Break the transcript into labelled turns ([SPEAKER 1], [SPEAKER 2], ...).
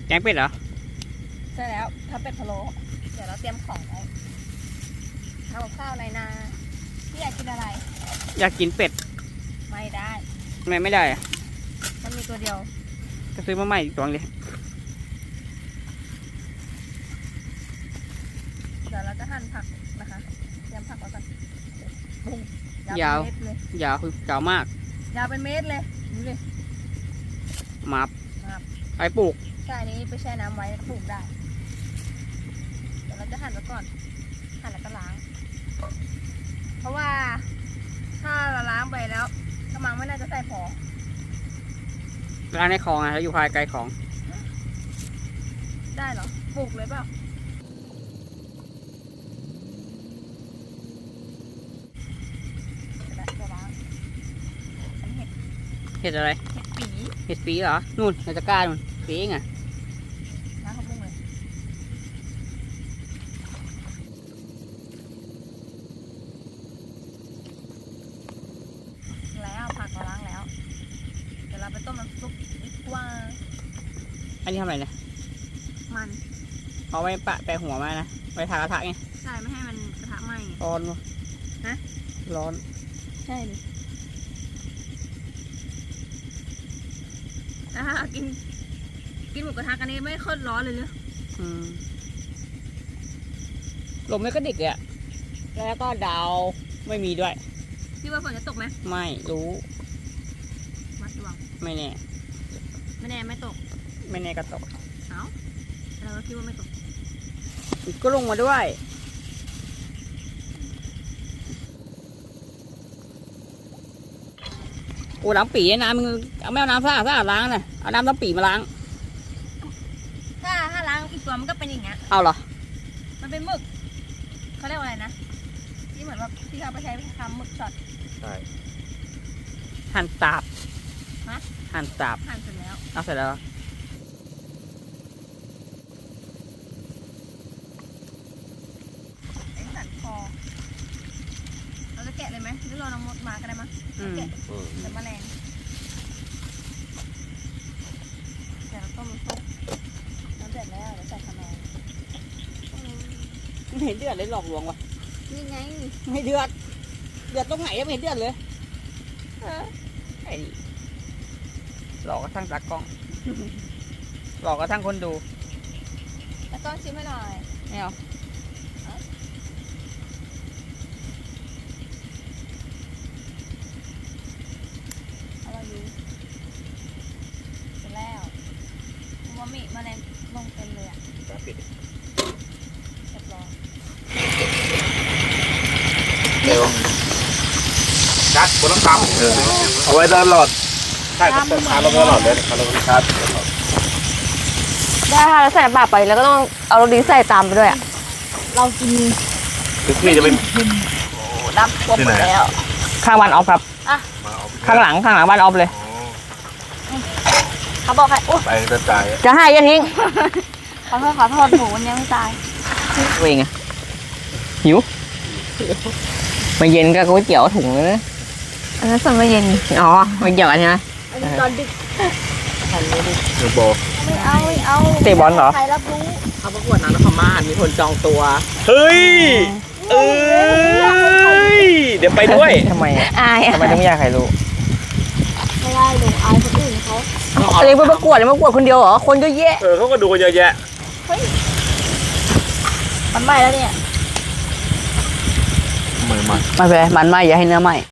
[SPEAKER 1] แกงเป็ดเหรอ
[SPEAKER 2] ใช่แล้วถ้าเป็ดพะโล้เดี๋ยวเราเตรียมของไว้ทำกับข้าวในนาพี่อยากกินอะไร
[SPEAKER 1] อยากกินเป็ด
[SPEAKER 2] ไม่ได้
[SPEAKER 1] ทำไมไม่ได้อะ
[SPEAKER 2] มันมีตัวเดียว
[SPEAKER 1] ก็ซื้อมาใหม่อีกตัวเลย
[SPEAKER 2] เดี๋ยวเราจะหั่นผักนะคะเตรียมผักไว้ก่อนบุ้ง
[SPEAKER 1] ยาว
[SPEAKER 2] เป็นเม็ดเลย
[SPEAKER 1] ยาวคือยาวมาก
[SPEAKER 2] ยาวเป็นเม็ดเลยดูเลย
[SPEAKER 1] มาบไปปลูก
[SPEAKER 2] ใช่อันนี้ไปแช่น้ำไว้ปลูกได้เดี๋ยวเราจะหั่นไว้ก่อนหั่นแล้วก็ล้างเพราะว่าถ้าเราล้างไปแล้วกระมังไม่น่าจะใส่พอ
[SPEAKER 1] ร้านในคลองอะแล้วอยู่ภายไกลของ
[SPEAKER 2] ได้เหรอปลูกเลยเปล่าจะล้างอันนี้
[SPEAKER 1] เห็ดอะไรเห็ดปีเหรอนู่นในตะกร้านู่นปีเองอะ
[SPEAKER 2] ล้างข้าวปุ้งเลยแล้วผักเราล้างแล้วเดี๋ยวเราไปต้มน้ำซุปดีกว่า
[SPEAKER 1] อันนี้ทำอะไรเนี่ย
[SPEAKER 2] มัน
[SPEAKER 1] เอาไว้ปะแปะหัวมานะไว้ทากระทะไง
[SPEAKER 2] ใช่ไม่ให้มันกระทะไหม้
[SPEAKER 1] ร้อนวะ
[SPEAKER 2] ฮะ
[SPEAKER 1] ร้อน
[SPEAKER 2] ใช่ดิกินหมูกระทะกันนี้ไม่ค่อยร้อนเลยเนอะ
[SPEAKER 1] ลมไม่ก็ดิกเลยอะแล้วก็ดาวไม่มีด้วย
[SPEAKER 2] พี่ว่าฝนจะตกไหม
[SPEAKER 1] ไม่รู้
[SPEAKER 2] วัดดวง
[SPEAKER 1] ไม่แน่
[SPEAKER 2] ไม่ตก
[SPEAKER 1] ไม่แน่ก็ตก
[SPEAKER 2] เอ้าเราคิดว่าไม่ตก
[SPEAKER 1] ก็ลงมาด้วยโอ้น้ำปีน้ำมึงเอาไม่เอาน้ำสะอาดล้างนะเอาน้ำปีมาล้าง
[SPEAKER 2] ถ้าล้างอีกตัวมันก็เป็นอย่างเงี้ย
[SPEAKER 1] เอาเหรอ
[SPEAKER 2] มันเป็นหมึกเขาเรียกว่าอะไรนะที่เหมือนว่าที่เขาไปใช้ทำหมึกช็อต
[SPEAKER 3] ใช่
[SPEAKER 1] หั่นตับหั่นตับ
[SPEAKER 2] หั่นเสร็จแล้ว
[SPEAKER 1] เอาเสร็จแล้ว
[SPEAKER 2] สันคอเราจะแกะเลยไหมหรือรอน้องมดมาก็ได้มั้งแกะแต่แมลงแต่เราต้มซุปน้ำเดือดแล้วเดี๋ยวใส่ขนม
[SPEAKER 1] ไม่เห็นเดือดเลยหลอกลวงวะ
[SPEAKER 2] นี่ไง
[SPEAKER 1] ไม่เดือดตรงไหนยังไม่เห็นเดือดเลยไอ้หลอกกระทั่งตากล้องหลอกกระทั่งคนดู
[SPEAKER 2] ตากล้องชิมให้หน่อย
[SPEAKER 1] ไม่เอา
[SPEAKER 2] แมลงลงเต็มเลยอ่ะปิดเรียบร้อย
[SPEAKER 3] เร็วชัดบนน้ำตาลเอาไว้ตลอดใช่ครับทานลงตลอดเลยทานลงชัด
[SPEAKER 2] ได้ค่ะแล้วใส่บาปไปแล้วก็ต้องเอาโรตีใส่ตามไปด้วยอ่ะเรากิน
[SPEAKER 3] พี่จะเป็น
[SPEAKER 2] ดับครบหมดแล้ว
[SPEAKER 1] ข้างบ้านออฟครับข้างหลังบ้านออฟเลย
[SPEAKER 2] เขาบอกให้
[SPEAKER 3] ไปจะตาย
[SPEAKER 1] จะให้ยันทิ้ง
[SPEAKER 2] ขอโทษหมูวันนี้ไม่ตาย
[SPEAKER 1] เวงอะหิวมาเย็นก็ก๋วยเตี๋ยวถุงเลยนะ
[SPEAKER 2] อันนั้นส่วนมาเย็น
[SPEAKER 1] อ๋อไม่เกี่ยวกันใช่ไหม
[SPEAKER 2] อันนี้ตอนดึก
[SPEAKER 3] เดี๋ยวบอก
[SPEAKER 2] ไม่เอา
[SPEAKER 1] เตะบอลเหรอ
[SPEAKER 2] ใครรับรู้
[SPEAKER 1] เขาประกวดนางนพมาศมีคนจองตัว
[SPEAKER 3] เฮ้ยเดี๋ยวไปด้วย
[SPEAKER 1] ทำไม
[SPEAKER 2] อาย
[SPEAKER 1] ทำไมต้องไม่อยากใครรู้
[SPEAKER 2] ไม่ได้หนูอายคนอื่นเขา
[SPEAKER 1] อะไรไปประกวดคนเดียวเหรอคนก็แย่
[SPEAKER 3] เขาก็ดูกันเยอะแยะ
[SPEAKER 2] เฮ้ยมันไหม้แล้วเนี่ย
[SPEAKER 1] ไม่เป็นไรมันไหม้อย่าให้เนื้อไหม้